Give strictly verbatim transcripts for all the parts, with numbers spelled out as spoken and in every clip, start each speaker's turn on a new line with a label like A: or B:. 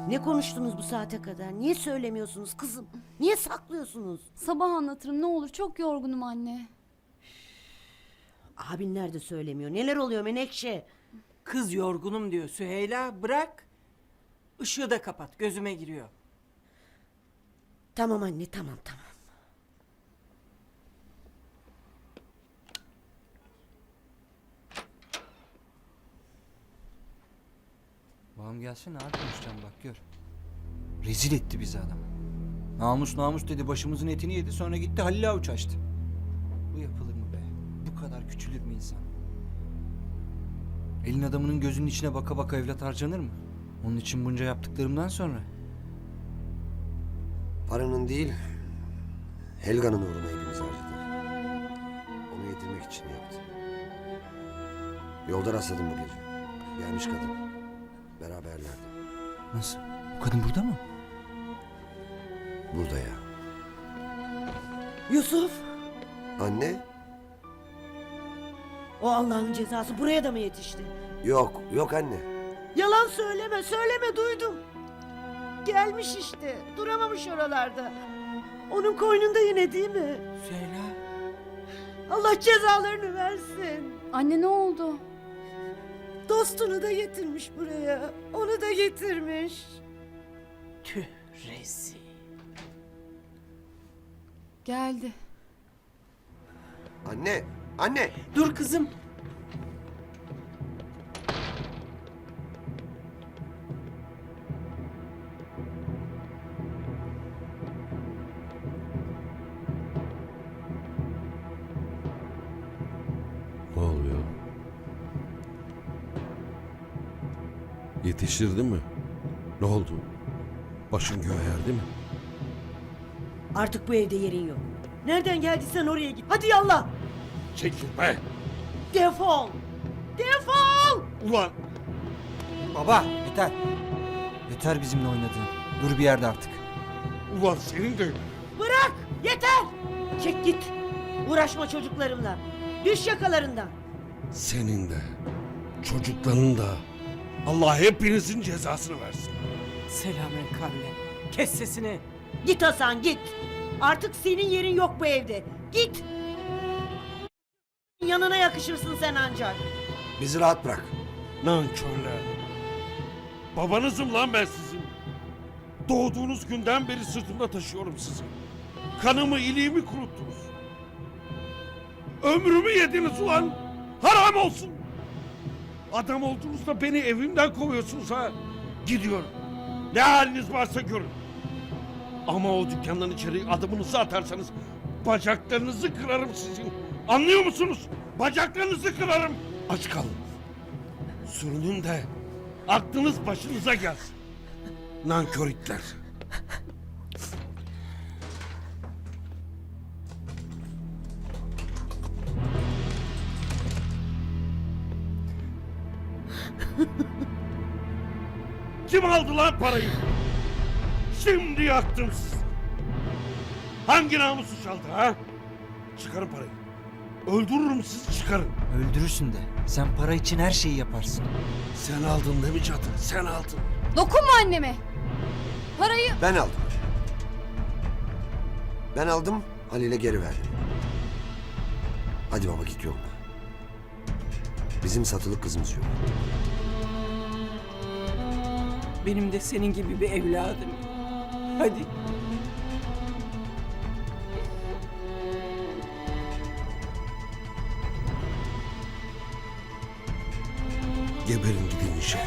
A: Ne konuştunuz bu saate kadar? Niye söylemiyorsunuz kızım? Niye saklıyorsunuz?
B: Sabah anlatırım ne olur, çok yorgunum anne.
A: Abin nerede söylemiyor? Neler oluyor Menekşe?
C: Kız yorgunum diyor Süheyla, bırak. Işığı da kapat, gözüme giriyor.
A: Tamam anne, tamam tamam.
D: Babam gelsene abi, konuşacağım bak gör. Rezil etti bizi adam. Namus namus dedi, başımızın etini yedi, sonra gitti Halil Avuç açtı. Bu yapılır mı be? Bu kadar küçülür mü insan? Elin adamının gözünün içine baka baka evlat harcanır mı? Onun için bunca yaptıklarımdan sonra.
E: Paranın değil, Helga'nın uğruna hepimiz harcadık. Onu yedirmek için yaptı. Yolda rastladım bu gece. Gelmiş kadın. Beraberlerdi.
D: Nasıl? O kadın burada mı?
E: Burada ya.
A: Yusuf,
E: Anne?
A: o Allah'ın cezası buraya da mı yetişti?
E: Yok, yok anne.
A: Yalan söyleme, söyleme, duydum. Gelmiş işte, duramamış oralarda. Onun koynunda yine değil mi?
C: Süheyla,
A: Allah cezalarını versin.
B: Anne ne oldu?
A: Dostunu da getirmiş buraya. Onu da getirmiş.
C: tüh rezil.
B: Geldi.
E: Anne, anne!
C: Dur kızım.
F: Ne oluyor? Yetiştirdi mi? Ne oldu? Başın göğe erdi mi?
A: Artık bu evde yerin yok. Nereden geldiysen oraya git. Hadi yallah.
F: Çekil be!
A: Defol. Defol.
F: Ulan!
D: Baba yeter. Yeter bizimle oynadığın. Dur bir yerde artık.
F: Ulan senin de...
A: Bırak. Yeter. Çek git. Uğraşma çocuklarımla. Düş yakalarından.
F: Senin de, çocukların da Allah hepinizin cezasını versin.
C: Selamen kavle. Kes sesini.
A: Git Hasan git. Artık senin yerin yok bu evde. Git. Yanına yakışırsın sen ancak.
E: Bizi rahat bırak.
F: Nankörler. Babanızım lan ben sizin. Doğduğunuz günden beri sırtımda taşıyorum sizi. Kanımı, iliğimi kuruttunuz. Ömrümü yediniz ulan. Haram olsun. Adam olduğunuzda beni evimden kovuyorsunuz ha. Gidiyorum. Ne haliniz varsa görün. Ama o dükkandan içeri adımınızı atarsanız bacaklarınızı kırarım sizin. Anlıyor musunuz? Bacaklarınızı kırarım. Aç kalın. Sürünün de aklınız başınıza gelsin. Nankör itler. Kim aldı lan parayı? Şimdi yaktım sizi. Hangi namusu çaldı ha? Çıkarın parayı. Öldürürüm sizi, çıkarın.
D: Öldürürsün de. Sen para için her şeyi yaparsın.
F: Sen aldın değil mi Çatı? Sen aldın.
B: Dokunma anneme. Parayı...
E: Ben aldım. Ben aldım, Halil'e geri verdim. Hadi baba git yoluna. Bizim satılık kızımız yok.
C: Benim de senin gibi bir evladım. Hadi.
F: Geberin gidin inşallah.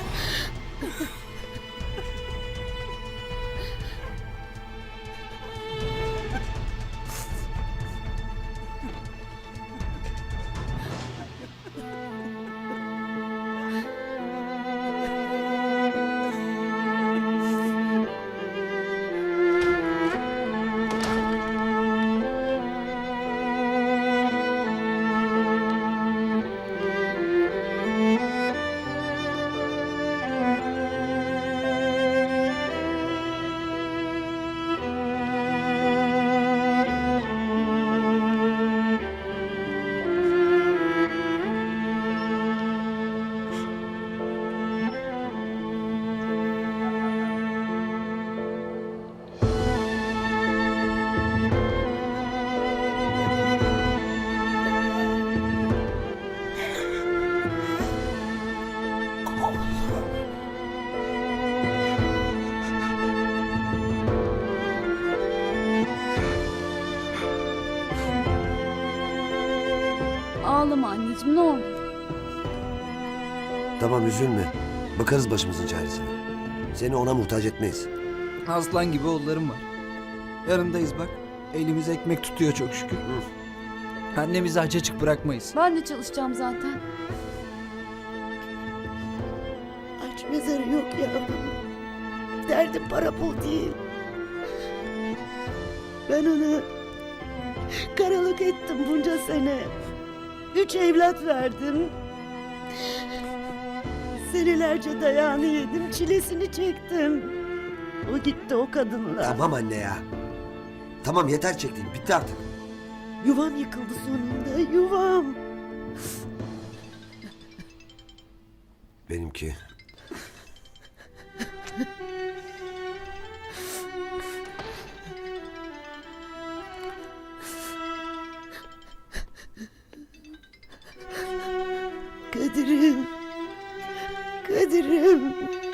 B: anneciğim ne olur.
E: Tamam üzülme. Bakarız başımızın çaresine. Seni ona muhtaç etmeyiz.
D: Aslan gibi oğullarım var. Yanındayız bak. Elimiz ekmek tutuyor çok şükür. Annemizi aç açık bırakmayız.
B: Ben de çalışacağım zaten.
A: Aç mezarı yok yavrum. Derdim para pul değil. Ben onu karalık ettim bunca sene. Üç evlat verdim. Senelerce dayağını yedim, çilesini çektim. O gitti o kadınla.
E: Tamam anne ya. Tamam yeter çektiğin. Bitti artık.
A: Yuvam yıkıldı sonunda, yuvam.
E: Benimki.
A: Kadir'im. Kadir'im.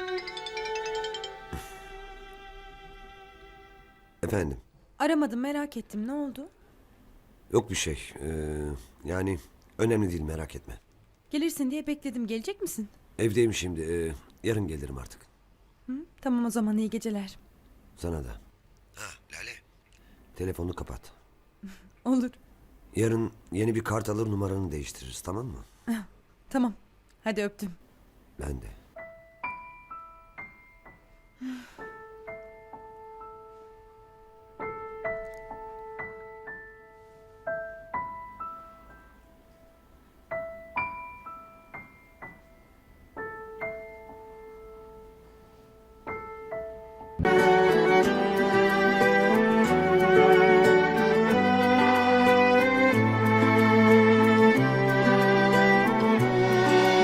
E: Efendim.
G: Aramadım, merak ettim. Ne oldu?
E: Yok bir şey. Ee, yani önemli değil, merak etme.
G: Gelirsin diye bekledim. Gelecek misin?
E: Evdeyim şimdi. ee, yarın gelirim artık.
G: Hı? Tamam o zaman, iyi geceler.
E: Sana da. Ha Lale. Telefonu kapat.
G: Olur.
E: Yarın yeni bir kart alır, numaranı değiştiririz, tamam mı?
G: Tamam. Hadi öptüm.
E: Ben de.